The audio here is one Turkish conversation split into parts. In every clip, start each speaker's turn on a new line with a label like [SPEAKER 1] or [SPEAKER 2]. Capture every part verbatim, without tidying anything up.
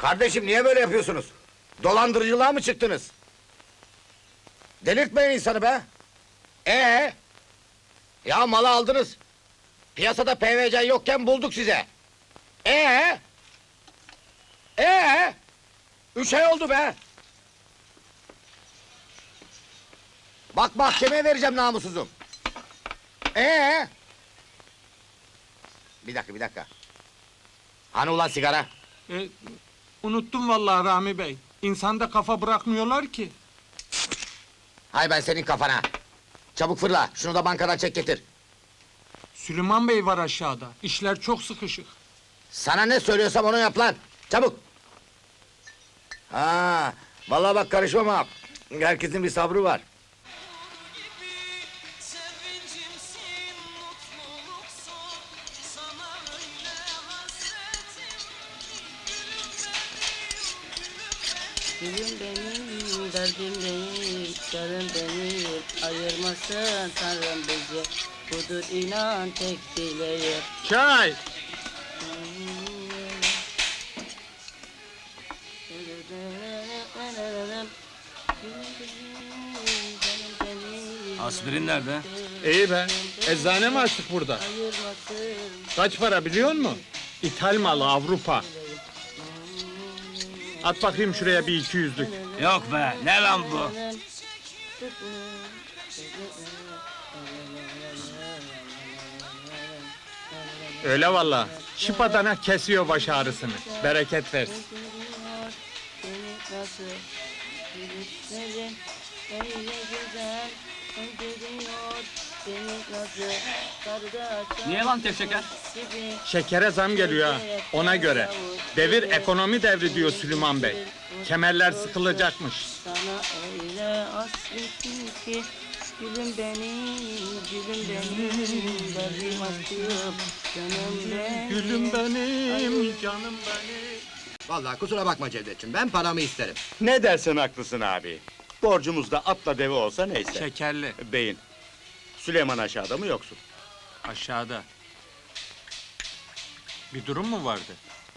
[SPEAKER 1] Kardeşim niye böyle yapıyorsunuz? Dolandırıcılığa mı çıktınız? Delirtmeyin insanı be! Ee? Ya malı aldınız. Piyasada P V C yokken bulduk size. Ee? Ee? Üç ay oldu be! Bak mahkemeye vereceğim namussuzum. Ee? Bir dakika, bir dakika. Hani ulan sigara?
[SPEAKER 2] E, unuttum vallahi Rami Bey. İnsanda kafa bırakmıyorlar ki.
[SPEAKER 1] Hay ben senin kafana! Çabuk fırla, şunu da bankadan çek getir.
[SPEAKER 2] Süleyman Bey var aşağıda. İşler çok sıkışık.
[SPEAKER 1] Sana ne söylüyorsam onu yap lan! Çabuk! Ha, vallahi bak karışmam ha! Herkesin bir sabrı var.
[SPEAKER 3] Gülüm benim, derdim değil, yarım beni ayırmasın Tanrım bizi. Budur inan tek dileğim.
[SPEAKER 2] Çay!
[SPEAKER 4] Aspirin nerede?
[SPEAKER 2] İyi be. Eczane mi açtık burada?
[SPEAKER 3] Ayırmasın
[SPEAKER 2] Kaç para biliyor musun? İthal malı Avrupa. At bakayım şuraya bir iki yüzlük.
[SPEAKER 4] Yok be, ne lan bu?
[SPEAKER 2] Öyle vallahi. Şıpadana kesiyor baş ağrısını. Bereket versin.
[SPEAKER 3] Seni nasıl gülüşlerin öyle güzel öldürüyor beni nasıl karda
[SPEAKER 4] Niye lan tevşeker?
[SPEAKER 3] gibi.
[SPEAKER 2] Şekere zam geliyor ha, ona göre. Devir ekonomi devri diyor Süleyman Bey. Kemerler sıkılacakmış.
[SPEAKER 3] Sana öyle hasretim ki gülüm benim, gülüm benim, derdim aşkım, canım benim.
[SPEAKER 2] Gülüm benim, canım benim.
[SPEAKER 1] Vallahi kusura bakma Cevdetciğim, ben paramı isterim.
[SPEAKER 5] Ne dersen haklısın abi. Borcumuz da atla deve olsa neyse.
[SPEAKER 2] Şekerli,
[SPEAKER 5] Beyin. Süleyman aşağıda mı yoksun?
[SPEAKER 2] aşağıda. Bir durum mu vardı?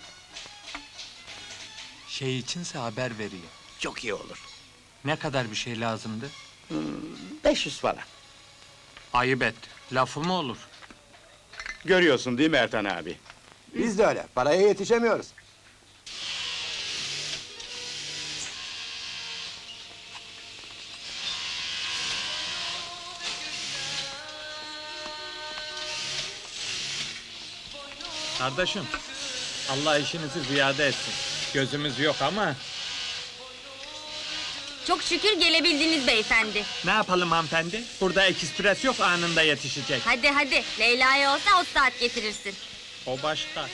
[SPEAKER 2] Şey içinse haber veriyor.
[SPEAKER 5] Çok iyi olur.
[SPEAKER 2] Ne kadar bir şey lazımdı?
[SPEAKER 5] beş yüz falan.
[SPEAKER 2] Ayıp et, lafı mı olur?
[SPEAKER 5] Görüyorsun değil mi Ertan abi?
[SPEAKER 1] Biz de öyle, paraya yetişemiyoruz.
[SPEAKER 2] Kardeşim, Allah işinizi ziyade etsin. Gözümüz yok ama...
[SPEAKER 6] Çok şükür gelebildiniz beyefendi.
[SPEAKER 2] Ne yapalım hanımefendi? Burada ekspres yok, anında yetişecek.
[SPEAKER 6] Hadi hadi, Leyla'ya olsa o saat getirirsin.
[SPEAKER 2] O başka.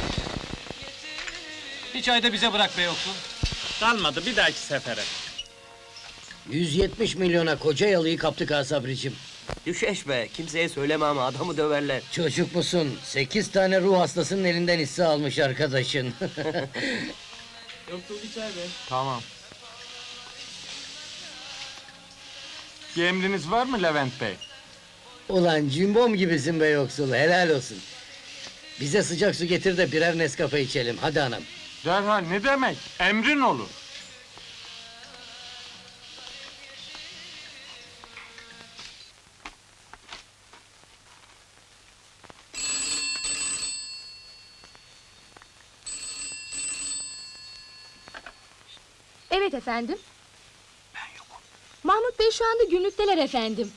[SPEAKER 4] Hiç ayda bize bırak be yoksun.
[SPEAKER 2] Kalmadı, bir dahaki sefere.
[SPEAKER 7] yüz yetmiş milyona koca yalıyı kaptık ha Sabricim.
[SPEAKER 8] Düşeş be, kimseye söyleme ama adamı döverler.
[SPEAKER 7] Çocuk musun? Sekiz tane ruh hastasının elinden hisse almış arkadaşın.
[SPEAKER 8] Yoksul içer be.
[SPEAKER 2] Tamam. Bir emriniz var mı Levent Bey?
[SPEAKER 7] Ulan cimbom gibisin be yoksul, helal olsun. Bize sıcak su getir de birer Nescafe içelim, hadi anam.
[SPEAKER 2] Derhal, ne demek? Emrin olur.
[SPEAKER 9] Evet efendim. Ben yokum. Mahmut Bey şu anda günlükteler efendim.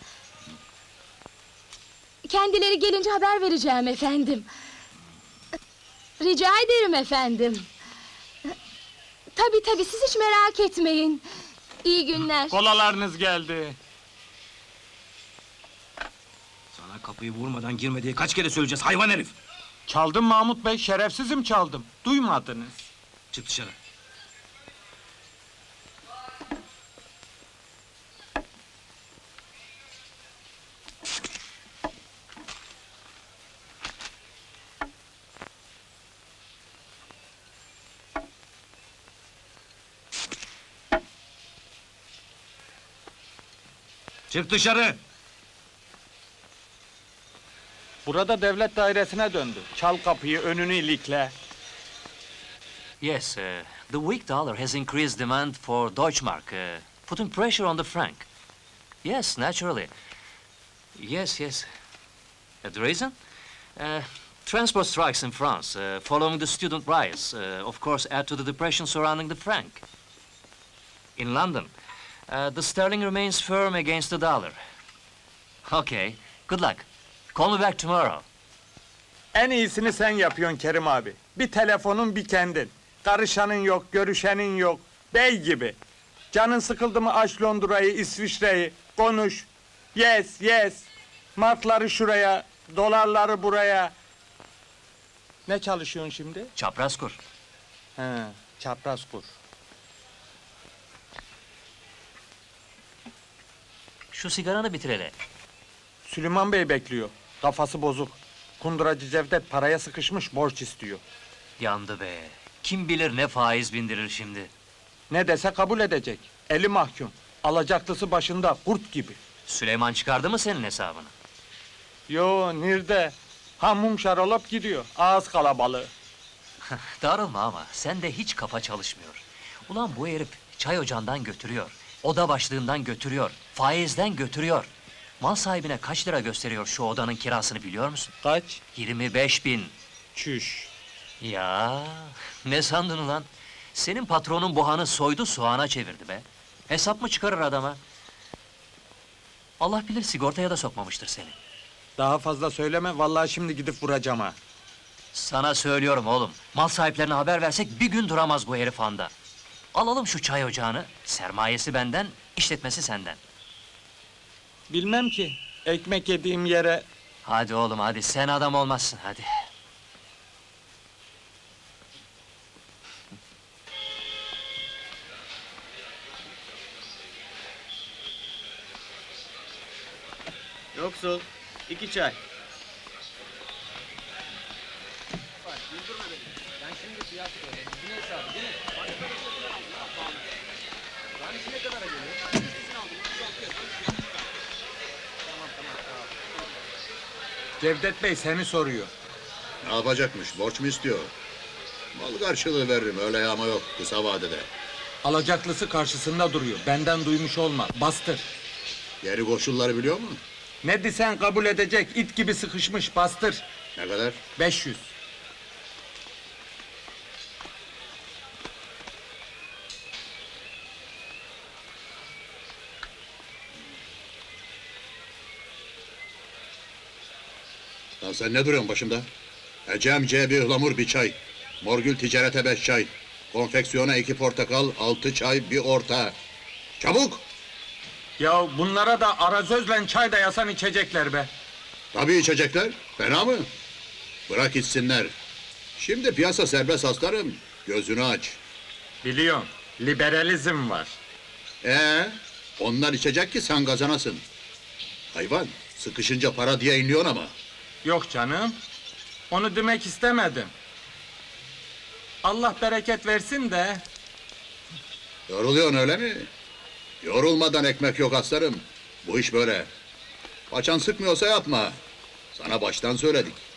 [SPEAKER 9] Kendileri gelince haber vereceğim efendim. Rica ederim efendim. Tabii tabii, siz hiç merak etmeyin. İyi günler.
[SPEAKER 2] Kolalarınız geldi.
[SPEAKER 4] Sana kapıyı vurmadan girme diye kaç kere söyleyeceğiz hayvan herif!
[SPEAKER 2] Çaldım Mahmut Bey, şerefsizim çaldım. Duymadınız.
[SPEAKER 4] Çık dışarı. Çık dışarı!
[SPEAKER 2] Burada devlet dairesine döndü. Çal kapıyı, önünü ilikle.
[SPEAKER 4] Yes, uh, the weak dollar has increased demand for Deutschmark, uh, putting pressure on the franc. Yes, naturally. Yes, yes. Uh, the reason? Uh, transport strikes in France, uh, following the student riots, uh, of course, add to the depression surrounding the franc. In London, uh, the sterling remains firm against the dollar. Okay, good luck. Call me back tomorrow.
[SPEAKER 2] En iyisini sen yapıyorsun Kerim abi. Bir telefonun bir kendin. Karışanın yok, görüşenin yok. Bey gibi. Canın sıkıldı mı aç Londra'yı, İsviçre'yi. Konuş. Yes, yes. Markları şuraya, dolarları buraya. Ne çalışıyorsun şimdi?
[SPEAKER 4] Çapraz kur.
[SPEAKER 2] He, çapraz kur.
[SPEAKER 4] Şu sigaranı bitir hele.
[SPEAKER 2] Süleyman Bey bekliyor. Kafası bozuk. Kunduracı Cevdet paraya sıkışmış, borç istiyor.
[SPEAKER 4] Yandı be. Kim bilir ne faiz bindirir şimdi.
[SPEAKER 2] Ne dese kabul edecek. Eli mahkum. Alacaklısı başında, kurt gibi.
[SPEAKER 4] Süleyman çıkardı mı senin hesabını?
[SPEAKER 2] Yo, nerede? Hamum şarolap gidiyor. Ağız kalabalığı.
[SPEAKER 4] Darılma ama sende hiç kafa çalışmıyor. Ulan bu herif çay ocağından götürüyor. Oda başlığından götürüyor. Faizden götürüyor. Mal sahibine kaç lira gösteriyor şu odanın kirasını biliyor musun?
[SPEAKER 2] Kaç?
[SPEAKER 4] yirmi beş bin.
[SPEAKER 2] Çüş.
[SPEAKER 4] Ya ne sandın ulan? Senin patronun buhanı soydu soğana çevirdi be. Hesap mı çıkarır adama? Allah bilir sigortaya da sokmamıştır seni.
[SPEAKER 2] Daha fazla söyleme, vallahi şimdi gidip vuracağım ha.
[SPEAKER 4] Sana söylüyorum oğlum. Mal sahiplerine haber versek bir gün duramaz bu herif anda. Alalım şu çay ocağını. Sermayesi benden, işletmesi senden.
[SPEAKER 2] Bilmem ki, ekmek yediğim yere...
[SPEAKER 4] Hadi oğlum hadi, sen adam olmazsın hadi.
[SPEAKER 8] Yoksul, iki çay.
[SPEAKER 2] Cevdet Bey seni soruyor.
[SPEAKER 10] Ne yapacakmış? Borç mu istiyor? Mal karşılığı veririm, öyle yağma yok kısa vadede.
[SPEAKER 2] Alacaklısı karşısında duruyor. Benden duymuş olma, bastır.
[SPEAKER 10] Geri koşulları biliyor mu?
[SPEAKER 2] Ne desen kabul edecek, it gibi sıkışmış, bastır.
[SPEAKER 10] Ne kadar?
[SPEAKER 2] beş yüz.
[SPEAKER 10] Lan sen ne duruyorsun başımda? Ecem C bir ıhlamur bir çay. Morgül ticarete beş çay. Konfeksiyona iki portakal, altı çay, bir orta. Çabuk!
[SPEAKER 2] Ya bunlara da arazözle çay da yasan içecekler be.
[SPEAKER 10] Tabii içecekler. Fena mı? Bırak içsinler. Şimdi piyasa serbest aslanım. Gözünü aç.
[SPEAKER 2] Biliyorum, liberalizm var.
[SPEAKER 10] Ee, onlar içecek ki sen kazanasın. Hayvan, sıkışınca para diye inliyorsun ama.
[SPEAKER 2] Yok canım, onu demek istemedim. Allah bereket versin de...
[SPEAKER 10] Yoruluyorsun öyle mi? Yorulmadan ekmek yok aslanım. Bu iş böyle. Paçan sıkmıyorsa yapma. Sana baştan söyledik.